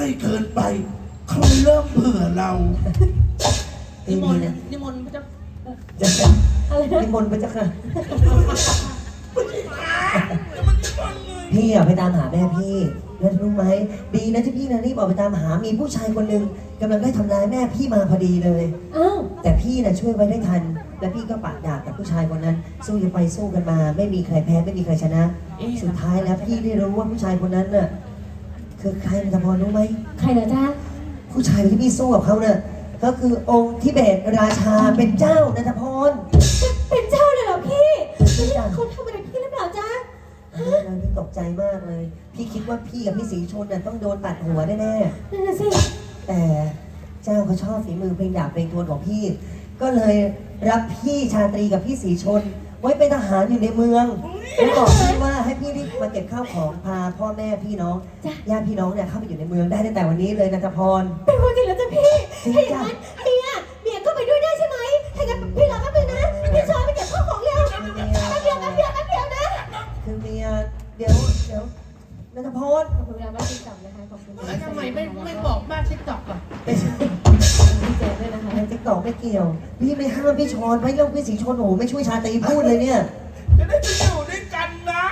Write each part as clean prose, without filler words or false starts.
ล้เกินไปเขาเริ่มเบื่อเรานิมนต์พระเจ้านิมนต์พระเจ้าค่ะพี่อะไปตามหาแม่พี่แล้วรู้ไหมดีนะที่พี่นะรีบออกไปตามหามีผู้ชายคนหนึ่งกำลังได้ทำร้ายแม่พี่มาพอดีเลยแต่พี่นะช่วยไว้ได้ทันแล้วพี่ก็ปะดาบกับผู้ชายคนนั้นสู้กันไปสู้กันมาไม่มีใครแพ้ไม่มีใครชนะสุดท้ายแล้วพี่ได้รู้ว่าผู้ชายคนนั้นน่ะคือใครนันทพรรู้ไหมใครเหรอจ๊ะผู้ชายที่พี่สู้กับเขาเนี่ยก็คือองค์ทิเบตราชาเป็นเจ้านันทพรเป็นเจ้าเลยเหรอพี่เขาทำอะไรพี่หรือเปล่าจ๊ะพี่ตกใจมากเลยพี่คิดว่าพี่กับพี่ศรีชนน่ะต้องโดนตัดหัวแน่ๆนั่นน่ะสิแต่เจ้าเขาชอบฝีมือเพลงดาบเพลงทวนของพี่ก็เลยรับพี่ชาตรีกับพี่ศรีชนไว้เป็นทหารอยู่ในเมืองแล้วบอกพี่ว่าให้พี่รีบมาเก็บข้าวของพาพ่อแม่พี่น้องญาติพี่น้องเนี่ยเข้าไปอยู่ในเมืองได้ตั้งแต่วันนี้เลยนันทพรเป็นคนจริงแล้วจ้ะพี่ถ้าอย่างนั้นเมียก็ไปด้วยได้ใช่ไหมถ้างั้นพี่รอแป๊บนึงนะพี่ชอยไปเก็บข้าวของเร็วแป๊บเดียวนะคือเมียเดี๋ยวนันทพรขอบคุณมากที่จับนะคะขอบคุณแล้วทำไมไม่บอกบ้านติ๊กต็อกอ่ะดีใจด้วยนะคะติ๊กต็อกไม่เกี่ยวพี่ไม่ห้ามพี่ชอนไว้แล้วพี่ศรีชนโอ้ไม่ช่วยชาตรีพูดเลยเนี่ยจะได้ไปอยู่ด้วยกันนะ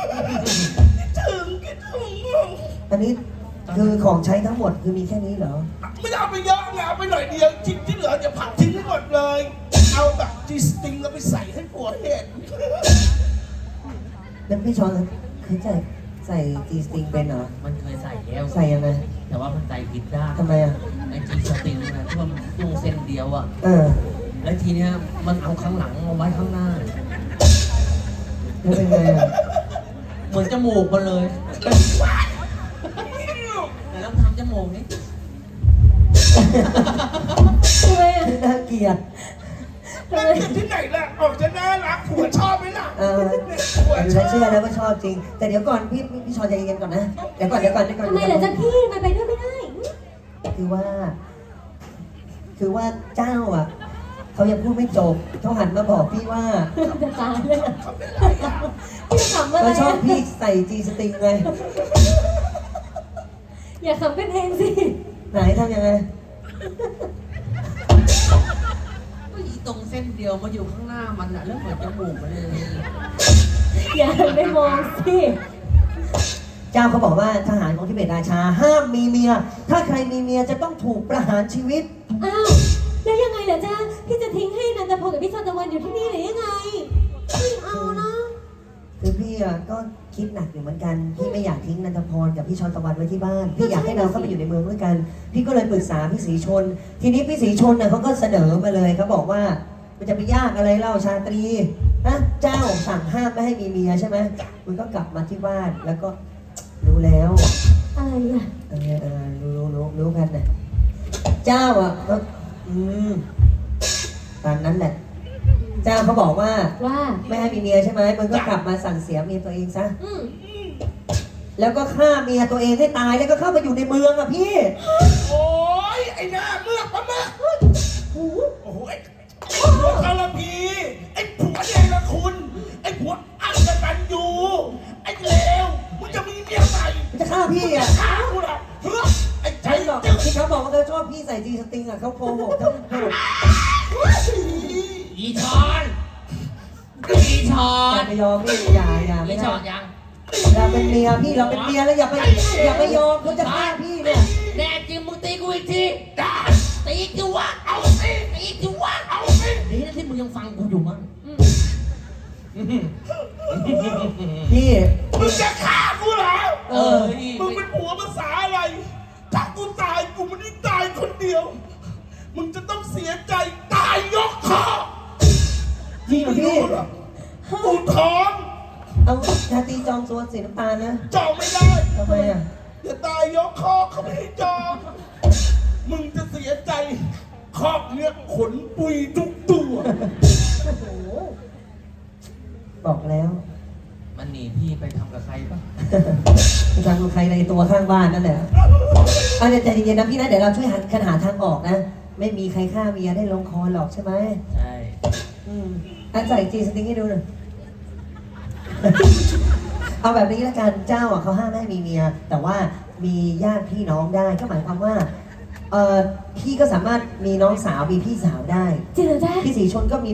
คิดถึงอันนี้คือของใช้ทั้งหมดคือมีแค่นี้เหรอไม่เอาไปเยอะไงเอาไปหน่อยเดียวชิ้นที่เหลือจะผักทิ้งให้หมดเลยเอาแบบจีสติงแล้วไปใส่ให้ผัวเห็นแล้วพี่ชอนเคยใส่จีสติงเป็นเหรอมันเคยใส่แล้วใส่ยังไงแต่ว่ามันใส่ผิดด้านทำไมอ่ะไอจีสติงนะที่ว่ามันตู้เส้นเดียวอ่ะแล้วทีเนี้ยมันเอาข้างหลังมาไว้ข้างหน้าแล้วเป็นไงอ่ะเหมือนจมูกมันเลยแต่ต้องทำจมูกนี่ทำไมอ่ะน่าเกลียดน่าเกลียดที่ไหนล่ะออกจะน่ารักผัวชอบไหมล่ะผัวเชื่อแล้วว่าชอบจริงแต่เดี๋ยวก่อนพี่ชอนใจเย็นก่อนนะเดี๋ยวก่อนทำไมเหรอจ๊ะพี่มันไปด้วยไม่ได้คือว่าเจ้าอ่ะเขายังพูดไม่จบเขาหันมาบอกพี่ว่าจะตายเลยพี่ขำอะไรเขาชอบพี่ใส่จีสติงไงอย่าขำเป็นเองสิไหนทำยังไงก็อีตรงเส้นเดียวมาอยู่ข้างหน้ามันอะแล้วเหมือนจมูกมันเลยอย่าไม่มองสิเจ้าเขาบอกว่าทหารของทิเบตราชาห้ามมีเมียถ้าใครมีเมียจะต้องถูกประหารชีวิตอ้าวแล้วยังไงล่ะจ๊ะพี่จะทิ้งให้นันทพลกับพี่ชนตะวันอยู่ที่นี่หรือยังไงไม่เอานะคือพี่ก็คิดหนักอยู่เหมือนกันพี่ไม่อยากทิ้งนันทพรกับพี่ชนตะวันไว้ที่บ้านพี่อยากให้เราเข้าไปอยู่ในเมืองด้วยกันพี่ก็เลยปรึกษาพี่ศรีชนทีนี้พี่ศรีชนเขาก็เสนอมาเลยเขาบอกว่ามันจะไปยากอะไรเล่าชาตรีนะเจ้าสั่งห้ามไม่ให้มีเมียใช่ไหมมันก็กลับมาที่บ้านแล้วก็รู้แล้วอะไรอ่ะรู้กันนะเจ้าอ่ะตามนั้นแหละเจ้าเขาบอกว่าไม่ให้มีเมียใช่ไหมมันก็กลับมาสั่งเสียเมียตัวเองซะแล้วก็ฆ่าเมียตัวเองให้ตายแล้วก็เข้ามาอยู่ในเมืองอ่ะพี่โอ้ยไอ้หน้าเมือกปะเมือกโอ้โหไอ้ผัวคาราพีไอ้ผัวเดรคุณไอ้ผัวอักตันยูไอ้เลวมึงจะมีเมียใหม่มันจะฆ่าพี่อ่ะฆ่ากูเหรอไอ้ใจหรอกที่เขาบอกว่าเขาชอบพี่ใส่จีสติงอ่ะเขาโกหกทั้งหมดอีชอนไม่ยอมพี่อย่าไม่ชอนยังเราเป็นเมียพี่เราเป็นเมียแล้วอย่าไปยอมเขาจะฆ่าพี่เนี่ยแน่จริงมึงตีกูอีกทีได้ตีกูวะเอาสิตีกูวะเอาสินี่นะที่มึงยังฟังกูอยู่มั้งพี่มึงจะฆ่ากูเหรอมึงเป็นผัวภาษาอะไรถ้ากูตายกูไม่ได้ตายคนเดียวมึงจะต้องเสียใจตายยกคอจริงเหรอพี่กูท้องเอาชาตรีจองตัวสีน้ำตาลนะจองไม่ได้ทำไมอ่ะอย่าตายยกคอเขาไม่ให้จองมึงจะเสียใจครอบเนี้ยขนปุยทุกตัวโอ้โหบอกแล้วมันหนีพี่ไปทำกับใครปะไปทำกับใครในตัวข้างบ้านนั่นแหละเอาใจเย็นๆนะพี่นะเดี๋ยวเราช่วยหาทางออกนะไม่มีใครฆ่าเมียได้ลงคอหรอกใช่ไหมใช่ใส่จีสติงให้ดูหน่อยเอาแบบนี้ละกันเจ้าอ่ะเขาห้ามไม่ให้มีเมีย แต่ว่ามีญาติพี่น้องได้ก็หมายความว่าพี่ก็สามารถมีน้องสาวมีพี่สาวได้จริงเหรอจ๊ะพี่สีชนก็มี